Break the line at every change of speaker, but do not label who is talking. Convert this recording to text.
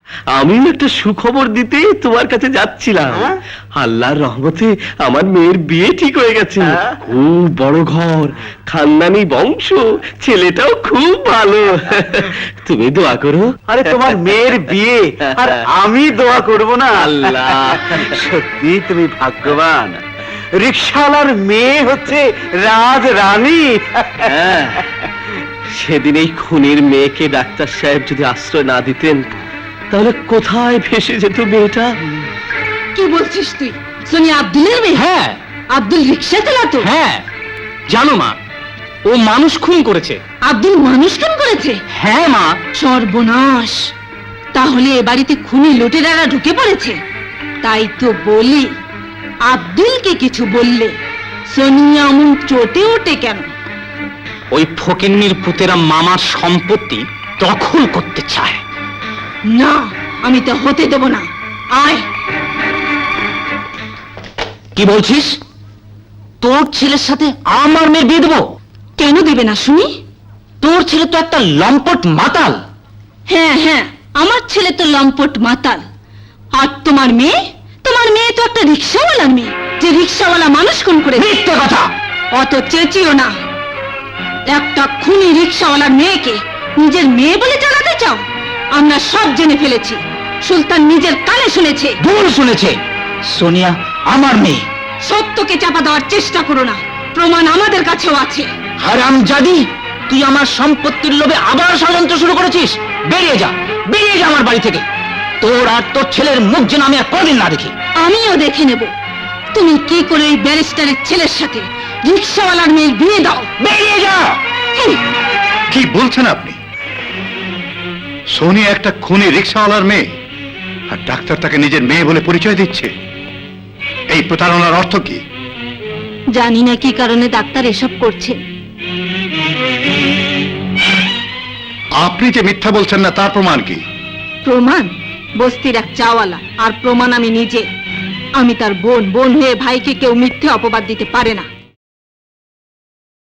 আমি একটা সুখবর দিতে তোমার কাছে যাচ্ছিলাম। আল্লাহর রহমতে আমার মেয়ের বিয়ে ঠিক হয়ে গেছে। খুব বড় ঘর, খানদানি বংশ, ছেলেটাও খুব ভালো। তুমি দোয়া করো।
আরে তোমার মেয়ের বিয়ে আর আমি দোয়া করব না?
আল্লাহ,
সত্যি তুমি ভাগ্যবান। রিকশাওয়ালার মেয়ে হচ্ছে রাজ রানী।
সেদিন এই খুনির মেয়েকে ডাক্তার সাহেব যদি আশ্রয় না দিতেন, তাহলে কোথায় ভেসে যেত মেয়েটা?
কি বলছিস তুই? সোনিয়া আব্দুলের মেয়ে?
হ্যাঁ
আব্দুল রিকশা চালাতো?
হ্যাঁ, জানো মা, ও মানুষ খুন করেছে।
আব্দুল মানুষ খুন করেছে?
হ্যাঁ মা।
সর্বনাশ! তাহলে এ বাড়িতে খুনি লুটেরারা ঢুকে পড়েছে। তাই তো বলি, আব্দুলকে কিছু বললে সোনিয়া অমন চটে ওঠে কেন?
ওই ফকিন্নির পুতেরা মামার সম্পত্তি দখল করতে চায়।
না, আমি তা হতে দেব না। আয়।
কি বলছিস? তোর ছেলের সাথে আমার মেয়ের বিয়ে দেবো?
কেন দেবে না শুনি?
তোর ছেলে তো একটা লম্পট মাতাল।
হ্যাঁ হ্যাঁ, আমার ছেলে তো লম্পট মাতাল। আর তোমার মেয়ে? তোমার মেয়ে তো একটা রিকশাওয়ালার মেয়ে, যে রিকশাওয়ালা মানুষ খুন করে।
মিথ্যে কথা।
অত চেঁচিও না। একটা খুনি রিকশাওয়ালার মেয়েকে নিজের মেয়ে বলে চালাতে চাও? আমরা সব জেনে ফেলেছি, সুলতান নিজের কানে শুনেছে।
ভুল শুনেছে। সোনিয়া আমার মেয়ে।
সত্যকে চাপা দেওয়ার চেষ্টা করো না, প্রমাণ আমাদের কাছেও আছে।
হারামজাদি, তুই আমার সম্পত্তির লোভে আবার ষড়যন্ত্র শুরু করেছিস। বেরিয়ে যা, বেরিয়ে যা আমার বাড়ি থেকে। তোর আর তোর ছেলের মুখ যেন আমি আর কোনদিন না দেখি।
আমিও দেখে নেব তুমি কি করে এই ব্যারিস্টারের ছেলের সাথে রিকশাওয়ালার মেয়ের বিয়ে দাও।
বেরিয়ে যা।
কি বলছেন আপনি? সোনিয়া একটা খুনি রিকশাওয়ালার মেয়ে, আর ডাক্তার তাকে নিজের মেয়ে বলে পরিচয় দিচ্ছে। এই প্রতারণার অর্থ কি?
জানি না কি কারণে ডাক্তার এসব করছে।
আপনি যে মিথ্যা বলছেন না, তার প্রমাণ কি?
প্রমাণ? বস্তির এক চাওয়ালা, আর প্রমাণ আমি নিজে। আমি তার বোন, বোন হয়ে ভাইকে কেউ মিথ্যে অপবাদ দিতে পারে না।